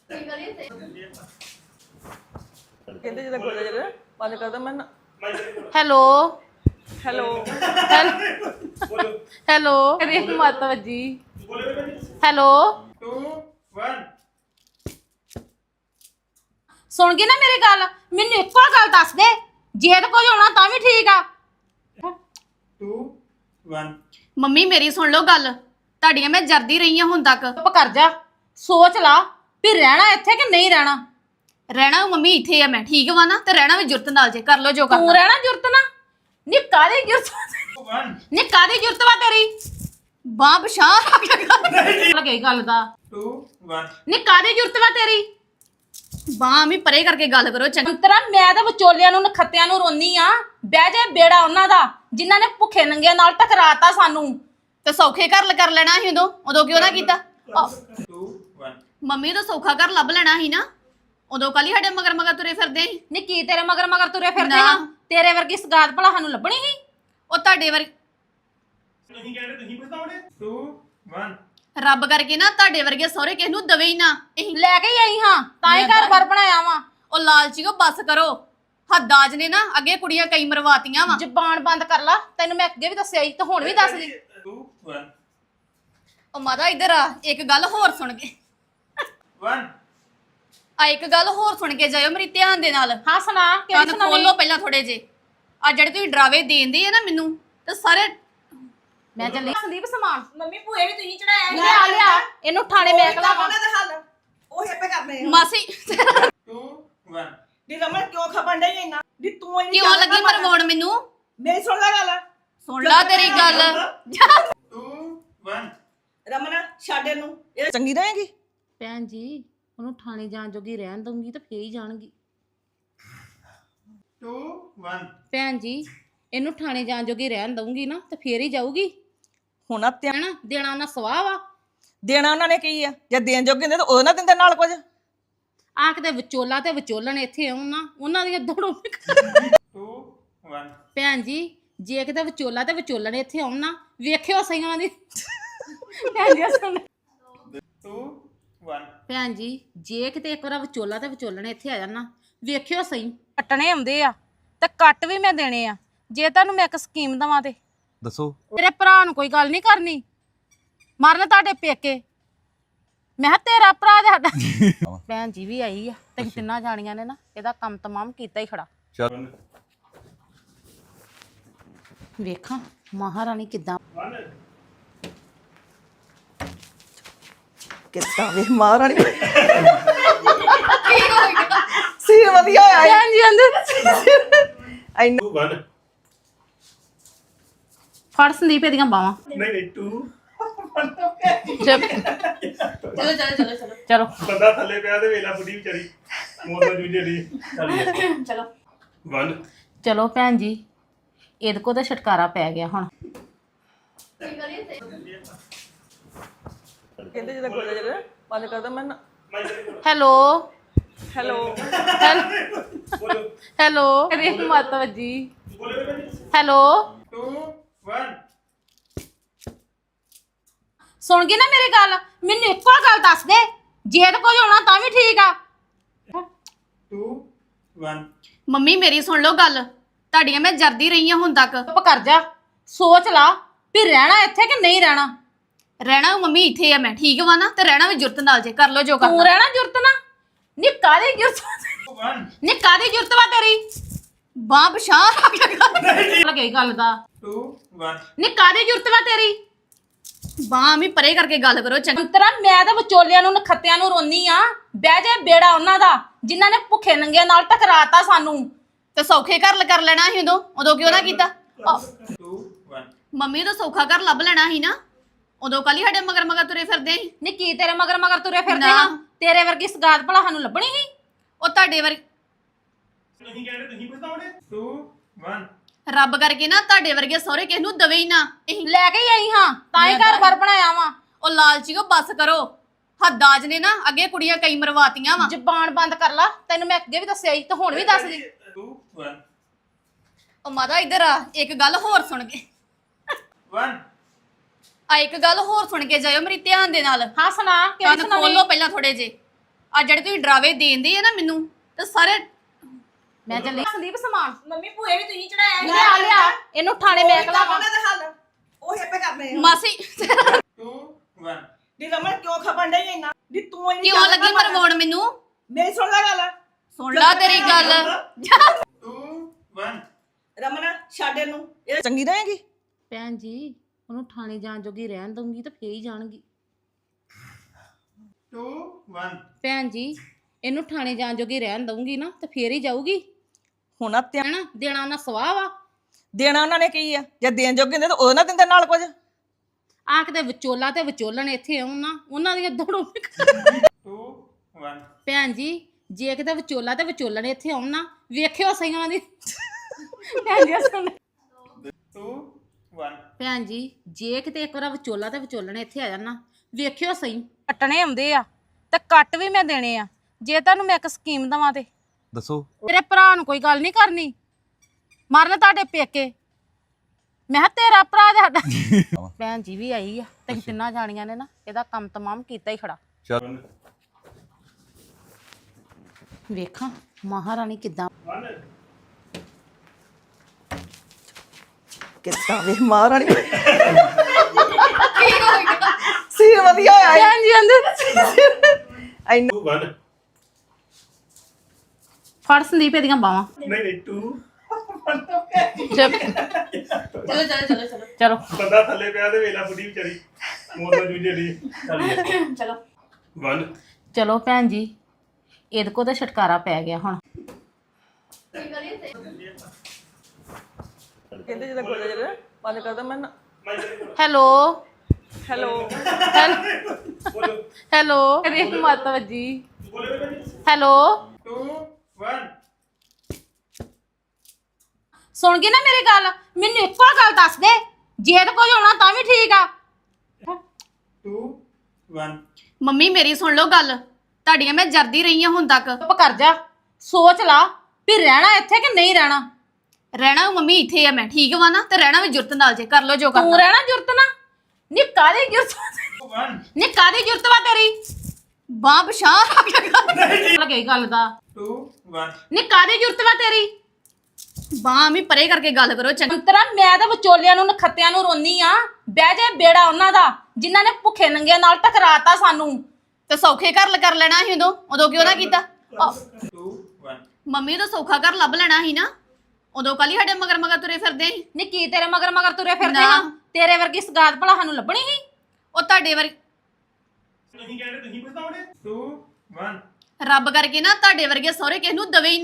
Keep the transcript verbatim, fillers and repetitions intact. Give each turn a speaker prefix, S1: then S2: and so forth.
S1: ਕਹਿੰਦੇ ਜਦੋਂ ਗੋਲਾ ਜਿਹੜਾ ਬੰਦ ਕਰਦਾ ਮੈਂ
S2: ਹੈਲੋ
S1: ਹੈਲੋ
S2: ਹੈਲੋ ਕਰੀ ਮਾਤਾ ਜੀ ਹੈਲੋ
S3: two one
S2: ਸੁਣ ਗਈ ਨਾ ਮੇਰੀ ਗੱਲ ਮੈਨੂੰ ਇੱਕੋ ਗੱਲ ਦੱਸ ਦੇ ਜੇ ਤੇ ਕੋਈ ਹੋਣਾ ਤਾਂ ਵੀ ਠੀਕ ਆ
S3: two one
S2: ਮੰਮੀ ਮੇਰੀ ਸੁਣ ਲਓ ਗੱਲ ਤੁਹਾਡੀਆਂ ਮੈਂ ਜਰਦੀ ਰਹੀ ਹਾਂ ਹੁਣ ਤੱਕ ਚੁੱਪ ਕਰ ਜਾ ਸੋਚ ਲਾ ਵੀ ਰਹਿਣਾ ਇੱਥੇ ਕਿ ਨਹੀਂ ਰਹਿਣਾ ਰਹਿਣਾ ਮੰਮੀ ਇੱਥੇ ਆ ਮੈਂ ਠੀਕ ਵਾ ਨਾ ਤੇ ਰਹਿਣਾ ਵੀ ਜੁਰਤ ਨਾਲ ਜੇ ਕਰ ਲੋ ਜੋ ਕਰਨਾ ਤੂੰ ਰਹਿਣਾ ਜੁਰਤ ਨਾ ਨੀ ਕਾਦੀ ਜੁਰਤ
S3: one
S2: ਨੀ ਕਾਦੀ ਜੁਰਤ ਵਾ ਤੇਰੀ ਬਾਹ ਬਸ਼ਾਹ ਲੱਗੇ ਗੱਲ ਦਾ
S3: two one
S2: ਨੀ ਕਾਦੀ ਜੁਰਤ ਵਾ ਤੇਰੀ ਬਾਹ ਵੀ ਪਰੇ ਕਰਕੇ ਗੱਲ ਕਰੋ ਚੰਤਰਾ ਮੈਂ ਤਾਂ ਵਿਚੋਲਿਆਂ ਨੂੰ ਨਖੱਤਿਆਂ ਨੂੰ ਰੋਨੀ ਆ ਬਹਿ ਜਾ ਬੇੜਾ ਉਹਨਾਂ ਦਾ ਜਿਨ੍ਹਾਂ ਨੇ ਭੁੱਖੇ ਨੰਗਿਆਂ ਨਾਲ ਟਕਰਾਤਾ ਸਾਨੂੰ ਤੇ ਸੌਖੇ ਘਰ ਕਰ ਲੈਣਾ ਸੀ ਉਦੋਂ ਉਦੋਂ ਕਿਉਂ ਨਾ ਕੀਤਾ
S3: two one
S2: ਮੰਮੀ ਤਾਂ ਸੌਖਾ ਘਰ ਲੱਭ ਲੈਣਾ ਸੀ ਨਾ ਉਦੋਂ ਕਾਲੀ ਸਾਡੇ ਮਗਰ ਮਗਰ ਤੁਰੇ ਫਿਰਦੇ ਸੀ ਨੀ ਕੀ ਤੇਰੇ ਮਗਰ ਮਗਰ ਤੁਰੇ ਫਿਰਦੇ ਹਾਂ ਤੇਰੇ ਵਰਗੀ ਸਗਾਤ ਭਲਾ ਸਾਨੂੰ ਲੱਭਣੀ ਸੀ ਉਹ ਤੁਹਾਡੇ ਵਰ
S3: ਤੁਸੀਂ ਕਹਿੰਦੇ ਤੁਸੀਂ ਪਛਤਾਉਣੇ two one
S2: ਰੱਬ ਕਰਕੇ ਨਾ ਤੁਹਾਡੇ ਵਰਗੇ ਸਹੁਰੇ ਕਿਸ ਨੂੰ ਦਵੇ ਹੀ ਨਾ ਅਸੀਂ ਲੈ ਕੇ ਹੀ ਆਈ ਹਾਂ ਤਾਂ ਹੀ ਘਰ ਘਰ ਬਣਾਇਆ ਵਾ ਉਹ ਲਾਲਚੀਓ ਬੱਸ ਕਰੋ ਹੱਦਾਜ ਨੇ ਨਾ ਅੱਗੇ ਕੁੜੀਆਂ ਕਈ ਮਰਵਾਤੀਆਂ ਵਾ ਜ਼ਬਾਨ ਬੰਦ ਕਰ ਲਾ ਤੈਨੂੰ ਮੈਂ ਅੱਗੇ ਵੀ ਦੱਸਿਆ ਸੀ ਤੇ ਹੁਣ ਵੀ ਦੱਸ ਦੀ
S3: two one
S2: ਉਹ ਮਾਤਾ ਇੱਧਰ ਆ ਇੱਕ ਗੱਲ ਹੋਰ ਸੁਣ ਕੇ
S3: one
S2: ਆ ਇੱਕ ਗੱਲ ਹੋਰ ਸੁਣ ਕੇ ਜਾਇਓ ਮੇਰੀ ਧਿਆਨ ਦੇ ਨਾਲ ਹਾਂ ਸੁਣਾ ਕਿਹੜੀ ਸੁਣਾ ਖੋਲੋ ਪਹਿਲਾਂ ਥੋੜੇ ਜੇ ਆ ਜਿਹੜੇ ਤੁਸੀਂ ਡਰਾਵੇ ਦੇਂਦੇ ਆ ਨਾ ਮੈਨੂੰ ਤੇ ਸਾਰੇ ਮੈਂ ਚੱਲੀ ਸੰਦੀਪ ਸਮਾਨ
S4: ਮੰਮੀ ਭੂਏ ਵੀ ਤੁਸੀਂ ਚੜਾਇਆ
S2: ਲਿਆ ਲਿਆ ਇਹਨੂੰ ਥਾਣੇ ਮੈਂ ਕਲਾ
S4: ਉਹਨਾਂ ਦਾ ਹੱਲ ਉਹ ਹਿੱਪੇ ਕਰਨੇ ਆ
S2: ਮਾਸੀ
S3: two one
S4: ਦੀ ਰਮਨ ਕਿਉਂ ਖਪਣ ਡਈ ਇੰਨਾ ਦੀ ਤੂੰ ਇੰਨੀ
S2: ਕਿਉਂ ਲੱਗੀ ਮਰਵਾਉਣ ਮੈਨੂੰ
S4: ਮੇਰੀ ਸੁਣ ਲੈ ਗੱਲ
S2: ਸੁਣ ਲਾ ਤੇਰੀ ਗੱਲ
S3: two one
S4: ਰਮਨ ਛੱਡ ਇਹਨੂੰ ਇਹ ਚੰਗੀ ਰਹੇਗੀ
S2: ਭੈਣ ਜੀ ਉਹਨੂੰ ਥਾਣੇ ਜਾਣ ਜੋਗੀ ਰਹਿਣ ਦਊਂਗੀ ਤਾਂ ਫੇਰ ਹੀ ਜਾਣਗੀ
S3: two one
S2: ਭੈਣ ਜੀ ਇਹਨੂੰ ਥਾਣੇ ਜਾਣ ਜੋਗੀ ਰਹਿਣ ਦਊਂਗੀ ਨਾ ਤਾਂ ਫੇਰ ਹੀ ਜਾਊਗੀ
S4: ਹੁਣ ਆ ਧਿਆਨ
S2: ਹੈਨਾ ਦੇਣਾ ਨਾ ਸਵਾਹ ਵਾ
S4: ਦੇਣਾ ਉਹਨਾਂ ਨੇ ਕੀ ਆ ਜੇ ਦੇਣ ਜੋਗੇ ਹੁੰਦੇ ਤਾਂ ਉਹ ਨਾ ਦਿੰਦੇ ਨਾਲ ਕੁਝ
S2: ਆ ਕਿਤੇ ਵਿਚੋਲਾ ਤੇ ਵਿਚੋਲਣ ਇੱਥੇ ਆਉਣ ਨਾ ਉਹਨਾਂ ਦੀਆਂ ਦੜੋਂ
S3: two one
S2: ਭੈਣ ਜੀ ਜੇ ਕਿਤੇ ਵਿਚੋਲਾ ਤੇ ਵਿਚੋਲਣ ਇੱਥੇ ਆਉਣ ਨਾ ਵੇਖਿਓ ਸਹੀ ਉਹਨਾਂ ਦੀ ਭੈਣ ਜੀ ਸੁਣ
S3: two one
S2: ਭੈਣ ਜੀ ਜੇ ਕਿਤੇ ਇੱਕ ਵਾਰ ਵਿਚੋਲਾ ਤੇ ਵਿਚੋਲਣ ਇੱਥੇ ਆ ਜਾਣ ਨਾ ਵੇਖਿਓ ਸਹੀ ਕੱਟਣੇ ਆਉਂਦੇ ਆ ਤੇ ਕੱਟ ਵੀ ਮੈਂ ਦੇਣੇ ਆ ਜੇ ਤੁਹਾਨੂੰ ਮੈਂ ਇੱਕ ਸਕੀਮ ਦਵਾਂ ਤੇ
S5: ਦੱਸੋ
S2: ਤੇਰੇ ਭਰਾ ਨੂੰ ਕੋਈ ਗੱਲ ਨਹੀਂ ਕਰਨੀ ਮਰਨ ਤੁਹਾਡੇ ਪੇਕੇ ਮੈਂ ਕਿਹਾ ਤੇਰਾ ਭਰਾ ਤੇ ਸਾਡਾ ਭੈਣ ਜੀ ਵੀ ਆਈ ਆ ਤੇ ਤਿੰਨਾਂ ਜਾਣੀਆਂ ਨੇ ਨਾ ਇਹਦਾ ਕੰਮ ਤਮਾਮ ਕੀਤਾ ਹੀ ਖੜਾ
S5: ਚੱਲ
S2: ਵੇਖਾਂ ਮਹਾਰਾਣੀ ਕਿੱਦਾਂ
S4: ਕਿੱਦਾਂ ਵੇ ਮਹਾਰਾਣੀ ਸੀ ਵਧੀਆ ਆਇਆ
S2: ਭੈਣ ਜੀ ਅੰਦਰ
S4: ਇੰਨਾ
S3: two one
S2: ਫੜ ਸੰਦੀਪ ਇਹਦੀਆਂ ਬਾਵਾਂ
S3: ਨਹੀਂ ਨਹੀਂ two
S2: ਚਲੋ ਚਲੋ ਚਲੋ ਚਲੋ ਚਲੋ
S3: ਬੰਦਾ ਥੱਲੇ ਪਿਆ ਤੇ ਵੇਲਾ ਬੁੱਢੀ ਵਿਚਾਰੀ ਮੋਦੋ ਜੂਝੇ ਦੀ ਚੱਲ
S2: ਚਲੋ
S3: one
S2: ਚਲੋ ਭੈਣ ਜੀ ਇਹਦੇ ਕੋ ਤਾਂ ਛਟਕਾਰਾ ਪੈ ਗਿਆ ਹੁਣ
S1: ਕਹਿੰਦੇ ਜਦੋਂ ਗੋਲਾ ਜਿਹੜਾ ਬੰਦ ਕਰਦਾ ਮੈਂ
S2: ਹੈਲੋ
S1: ਹੈਲੋ
S2: ਹੈਲੋ ਕਰੀ ਮਾਤਾ ਜੀ ਹੈਲੋ
S3: two one
S2: ਸੁਣ ਗਈ ਨਾ ਮੇਰੀ ਗੱਲ ਮੈਨੂੰ ਇੱਕੋ ਗੱਲ ਦੱਸ ਦੇ ਜੇ ਤੇ ਕੋਈ ਹੋਣਾ ਤਾਂ ਵੀ ਠੀਕ ਆ
S3: two one
S2: ਮੰਮੀ ਮੇਰੀ ਸੁਣ ਲਓ ਗੱਲ ਤੁਹਾਡੀਆਂ ਮੈਂ ਜਰਦੀ ਰਹੀ ਹਾਂ ਹੁਣ ਤੱਕ ਚੁੱਪ ਕਰ ਜਾ ਸੋਚ ਲਾ ਵੀ ਰਹਿਣਾ ਇੱਥੇ ਕਿ ਨਹੀਂ ਰਹਿਣਾ ਰਹਿਣਾ ਮੰਮੀ ਇੱਥੇ ਆ ਮੈਂ ਠੀਕ ਵਾ ਨਾ ਤੇ ਰਹਿਣਾ ਵੀ ਜੁਰਤ ਨਾਲ ਜੇ ਕਰ ਲੋ ਜੋ ਕਰਨਾ ਤੂੰ ਰਹਿਣਾ ਜੁਰਤ ਨਾ ਨੀ ਕਾਦੀ ਜੁਰਤ
S3: one
S2: ਨੀ ਕਾਦੀ ਜੁਰਤ ਵਾ ਤੇਰੀ ਬਾਹ ਬਸ਼ਾਹ ਲੱਗੇ ਗੱਲ ਦਾ
S3: two one
S2: ਨੀ ਕਾਦੀ ਜੁਰਤ ਵਾ ਤੇਰੀ ਬਾਹ ਵੀ ਪਰੇ ਕਰਕੇ ਗੱਲ ਕਰੋ ਚੰਤਰਾ ਮੈਂ ਤਾਂ ਵਿਚੋਲਿਆਂ ਨੂੰ ਨਖੱਤਿਆਂ ਨੂੰ ਰੋਨੀ ਆ ਬਹਿ ਜਾ ਬੇੜਾ ਉਹਨਾਂ ਦਾ ਜਿਨ੍ਹਾਂ ਨੇ ਭੁੱਖੇ ਨੰਗਿਆਂ ਨਾਲ ਟਕਰਾਤਾ ਸਾਨੂੰ ਤੇ ਸੌਖੇ ਘਰ ਕਰ ਲੈਣਾ ਸੀ ਉਦੋਂ ਉਦੋਂ ਕਿਉਂ ਨਾ ਕੀਤਾ
S3: two one
S2: ਮੰਮੀ ਤਾਂ ਸੌਖਾ ਘਰ ਲੱਭ ਲੈਣਾ ਸੀ ਨਾ ਉਦੋਂ ਕਾਲੀ ਸਾਡੇ ਮਗਰ ਮਗਰ ਤੁਰੇ ਫਿਰਦੇ ਸੀ ਨੀ ਕੀ ਤੇਰੇ ਮਗਰ ਮਗਰ ਤੁਰੇ ਫਿਰਦੇ ਹਾਂ ਤੇਰੇ ਵਰਗੀ ਸਗਾਤ ਭਲਾ ਸਾਨੂੰ ਲੱਭਣੀ ਸੀ ਉਹ ਤੁਹਾਡੇ ਵਰ
S3: ਤੁਸੀਂ ਕਹਿੰਦੇ ਤੁਸੀਂ ਪਛਤਾਉਣੇ two one
S2: ਰੱਬ ਕਰਕੇ ਨਾ ਤੁਹਾਡੇ ਵਰਗੇ ਸਹੁਰੇ ਕਿਸ ਨੂੰ ਦਵੇ ਹੀ ਨਾ ਅਸੀਂ ਲੈ ਕੇ ਹੀ ਆਈ ਹਾਂ ਤਾਂ ਹੀ ਘਰ ਘਰ ਬਣਾਇਆ ਵਾ ਉਹ ਲਾਲਚੀਓ ਬੱਸ ਕਰੋ ਹੱਦਾਜ ਨੇ ਨਾ ਅੱਗੇ ਕੁੜੀਆਂ ਕਈ ਮਰਵਾਤੀਆਂ ਵਾ ਜ਼ਬਾਨ ਬੰਦ ਕਰ ਲਾ ਤੈਨੂੰ ਮੈਂ ਅੱਗੇ ਵੀ ਦੱਸਿਆ ਸੀ ਤੇ ਹੁਣ ਵੀ ਦੱਸ ਦੀ
S3: two one
S2: ਉਹ ਮਾਤਾ ਇੱਧਰ ਆ ਇੱਕ ਗੱਲ ਹੋਰ ਸੁਣ ਕੇ
S3: one
S2: ਆ ਇੱਕ ਗੱਲ ਹੋਰ ਸੁਣ ਕੇ ਜਾਇਓ ਮੇਰੀ ਧਿਆਨ ਦੇ ਨਾਲ ਹਾਂ ਸੁਣਾ ਕਿਹੜੀ ਸੁਣਾ ਖੋਲੋ ਪਹਿਲਾਂ ਥੋੜੇ ਜੇ ਆ ਜਿਹੜੇ ਤੁਸੀਂ ਡਰਾਵੇ ਦੇਂਦੇ ਆ ਨਾ ਮੈਨੂੰ ਤੇ ਸਾਰੇ ਮੈਂ ਚੱਲੀ ਸੰਦੀਪ ਸਮਾਨ
S4: ਮੰਮੀ ਭੂਏ ਵੀ ਤੁਸੀਂ ਚੜਾਇਆ
S2: ਲਿਆ ਲਿਆ ਇਹਨੂੰ ਥਾਣੇ ਮੈਂ ਕਲਾਵਾਂ
S4: ਦੇ ਹੱਲ ਉਹ ਹੇਪੇ ਕਰਨੇ ਆ
S2: ਮਾਸੀ
S3: ਟੂ ਵਨ
S4: ਦੀ ਰਮਨ ਕਿਉਂ ਖਪਣ ਡਈ ਇੰਨਾ ਦੀ ਤੂੰ ਇੰਨੀ
S2: ਕਿਉਂ ਲੱਗੀ ਮਰਵਾਉਣ ਮੈਨੂੰ
S4: ਮੇਰੀ ਸੁਣ ਲੈ ਗੱਲ
S2: ਸੁਣ ਲਾ ਤੇਰੀ ਗੱਲ
S3: ਟੂ ਵਨ
S4: ਰਮਨ ਛੱਡ ਇਹਨੂੰ ਇਹ ਚੰਗੀ ਰਹੇਗੀ
S5: ਭੈਣ ਜੀ ਉਹਨੂੰ ਥਾਣੇ ਜਾਣ ਜੋਗੀ ਰਹਿਣ ਦਊਂਗੀ ਤਾਂ ਫੇਰ ਹੀ ਜਾਣਗੀ
S3: ਟੂ ਵਨ
S5: ਭੈਣ ਜੀ ਇਹਨੂੰ ਥਾਣੇ ਜਾਣ ਜੋਗੀ ਰਹਿਣ ਦਊਂਗੀ ਨਾ ਤਾਂ ਫੇਰ ਹੀ ਜਾਊਗੀ
S4: ਹੁਣ ਆ ਧਿਆਨ
S5: ਹੈਨਾ ਦੇਣਾ ਉਹਨਾਂ ਸਵਾਹ ਵਾ
S4: ਦੇਣਾ ਉਹਨਾਂ ਨੇ ਕੀ ਆ ਜੇ ਦੇਣ ਜੋਗੇ ਹੁੰਦੇ ਤਾਂ ਉਹ ਨਾ ਦਿੰਦੇ ਨਾਲ ਕੁਝ
S5: ਆ ਕਿਤੇ ਵਿਚੋਲਾ ਤੇ ਵਿਚੋਲਣ ਇੱਥੇ ਆਉਣ ਨਾ ਉਹਨਾਂ ਦੀਆਂ ਦੜੋਂ
S3: ਟੂ ਵਨ
S5: ਭੈਣ ਜੀ ਜੇ ਕਿਤੇ ਵਿਚੋਲਾ ਤੇ ਵਿਚੋਲਣ ਇੱਥੇ ਆਉਣ ਨਾ ਵੇਖਿਓ ਸਹੀਆਂ ਦੀ ਭੈਣ ਜੀ ਸੁਣ
S3: ਟੂ ਵਨ
S5: ਭੈਣ ਜੀ ਜੇ ਕਿਤੇ ਇੱਕ ਵਾਰ ਵਿਚੋਲਾ ਤੇ ਵਿਚੋਲਣ ਇੱਥੇ ਆ ਜਾਣ ਨਾ ਵੇਖਿਓ ਸਹੀ ਕੱਟਣੇ ਆਉਂਦੇ ਆ ਤੇ ਕੱਟ ਵੀ ਮੈਂ ਦੇਣੇ ਆ ਜੇ ਤੁਹਾਨੂੰ ਮੈਂ ਇੱਕ ਸਕੀਮ ਦਵਾਂ ਤੇ
S6: ਦੱਸੋ
S5: ਤੇਰੇ ਭਰਾ ਨੂੰ ਕੋਈ ਗੱਲ ਨਹੀਂ ਕਰਨੀ ਮਰਨ ਤੁਹਾਡੇ ਪੇਕੇ ਮੈਂ ਕਿਹਾ ਤੇਰਾ ਭਰਾ ਸਾਡਾ ਭੈਣ ਜੀ ਵੀ ਆਈ ਆ ਤੇ ਤਿੰਨਾਂ ਜਾਣੀਆਂ ਨੇ ਨਾ ਇਹਦਾ ਕੰਮ ਤਮਾਮ ਕੀਤਾ ਹੀ ਖੜਾ
S6: ਚੱਲ
S5: ਵੇਖਾਂ ਮਹਾਰਾਣੀ ਕਿੱਦਾਂ
S3: ਵਨ
S4: ਕਿੱਦਾਂ ਵੇ ਮਹਾਰਾਣੀ ਸੀ ਵਧੀਆ ਹੋਇਆ
S2: ਭੈਣ ਜੀ ਅੰਦਰ
S4: ਇੰਨਾ
S3: ਟੂ ਵਨ
S5: ਫੜ ਸੰਦੀਪ ਇਹਦੀਆਂ ਬਾਵਾਂ
S3: ਨਹੀਂ ਨਹੀਂ ਟੂ
S2: ਚਲੋ ਚਲੋ ਚਲੋ ਚਲੋ
S5: ਚਲੋ
S3: ਬੰਦਾ ਥੱਲੇ ਪਿਆ ਤੇ ਵੇਲਾ ਬੁੱਢੀ ਵਿਚਾਰੀ ਮੌਤ ਨਾਲ ਜੂਝੇ ਦੀ
S2: ਚਲੋ
S3: ਵਨ
S5: ਚਲੋ ਭੈਣ ਜੀ ਇਹਦੇ ਕੋ ਤਾਂ ਛਟਕਾਰਾ ਪੈ ਗਿਆ ਹੁਣ
S1: ਕਹਿੰਦੇ ਜਦੋਂ ਗੋਲਾ ਜਿਹੜਾ ਬੰਦ ਕਰਦਾ ਮੈਂ ਨਾ-
S5: ਹੈਲੋ
S1: ਹੈਲੋ
S3: ਬੋਲੋ
S5: ਹੈਲੋ ਅਰੇ ਮਾਤਾ ਵੱਜੀ
S3: ਬੋਲੇ ਬੇਟਾ
S5: ਹੈਲੋ
S3: ਟੂ ਵਨ
S5: ਸੁਣ ਗਈ ਨਾ ਮੇਰੀ ਗੱਲ ਮੈਨੂੰ ਇੱਕੋ ਗੱਲ ਦੱਸ ਦੇ ਜੇ ਤੇ ਕੁਝ ਹੋਣਾ ਤਾਂ ਵੀ ਠੀਕ ਆ
S3: ਟੂ ਵਨ
S2: ਮੰਮੀ ਮੇਰੀ ਸੁਣ ਲਓ ਗੱਲ ਤੁਹਾਡੀਆਂ ਮੈਂ ਜਰਦੀ ਰਹੀ ਹਾਂ ਹੁਣ ਤੱਕ
S5: ਚੁੱਪ ਕਰ ਜਾ ਸੋਚ ਲਾ ਵੀ ਰਹਿਣਾ ਇੱਥੇ ਕਿ ਨਹੀਂ ਰਹਿਣਾ
S2: ਰਹਿਣਾ ਮੰਮੀ ਇੱਥੇ ਆ ਮੈਂ ਠੀਕ ਵਾ ਨਾ ਤੇ ਰਹਿਣਾ ਵੀ ਜੁਰਤ ਨਾਲ ਜੇ ਕਰ ਲਓ ਜੋ
S5: ਤੂੰ
S2: ਕਰਨਾ
S5: ਰਹਿਣਾ ਜੁਰਤ ਨਾ ਨੀ ਕਾਦੀ ਜੁਰਤ
S3: ਟੂ ਵਨ
S5: ਨੀ ਕਾਦੀ ਜੁਰਤ ਵਾ ਤੇਰੀ
S2: ਬਾਹ ਬਸ਼ਾਹ
S5: ਲੱਗੇ ਗੱਲ ਦਾ
S3: ਟੂ ਵਨ
S5: ਨੀ ਕਾਦੀ ਜੁਰਤ ਵਾ ਤੇਰੀ
S2: ਬਾਹ ਵੀ ਪਰੇ ਕਰਕੇ ਗੱਲ ਕਰੋ ਚੰਗਾ
S5: ਅੰਤਰਾ ਮੈਂ ਤਾਂ ਵਿਚੋਲਿਆਂ ਨੂੰ ਨਖੱਤਿਆਂ ਨੂੰ ਰੋਨੀ ਆ ਬਹਿ ਜਾ ਬੇੜਾ ਉਹਨਾਂ ਦਾ ਜਿਨ੍ਹਾਂ ਨੇ ਭੁੱਖੇ ਨੰਗਿਆਂ ਨਾਲ ਟਕਰਾਤਾ ਸਾਨੂੰ
S2: ਤੇ ਸੌਖੇ ਘਰ ਕਰ ਲੈਣਾ ਸੀ ਉਦੋਂ ਉਦੋਂ ਕਿਉਂ ਨਾ ਕੀਤਾ ਆਹ,
S3: ਟੂ ਵਨ
S2: ਮੰਮੀ ਤਾਂ ਸੌਖਾ ਘਰ ਲੱਭ ਲੈਣਾ ਸੀ ਨਾ ਉਦੋਂ ਕਾਲੀ ਸਾਡੇ ਮਗਰ ਮਗਰ ਤੁਰੇ ਫਿਰਦੇ ਸੀ
S5: ਨੀ ਕੀ ਤੇਰੇ ਮਗਰ ਮਗਰ ਤੁਰੇ ਫਿਰਦੇ
S2: ਨਾ।
S5: ਹਾਂ ਤੇਰੇ ਵਰਗੀ ਸਗਾਤ ਭਲਾ ਸਾਨੂੰ ਲੱਭਣੀ ਸੀ
S2: ਉਹ ਤੁਹਾਡੇ ਵਰ
S3: ਤੁਸੀਂ ਕਹਿੰਦੇ ਤੁਸੀਂ ਪਛਤਾਉਣੇ ਟੂ ਵਨ
S2: ਰੱਬ ਕਰਕੇ ਨਾ ਤੁਹਾਡੇ ਵਰਗੇ ਸਹੁਰੇ ਕਿਸ ਨੂੰ ਦਵੇ ਹੀ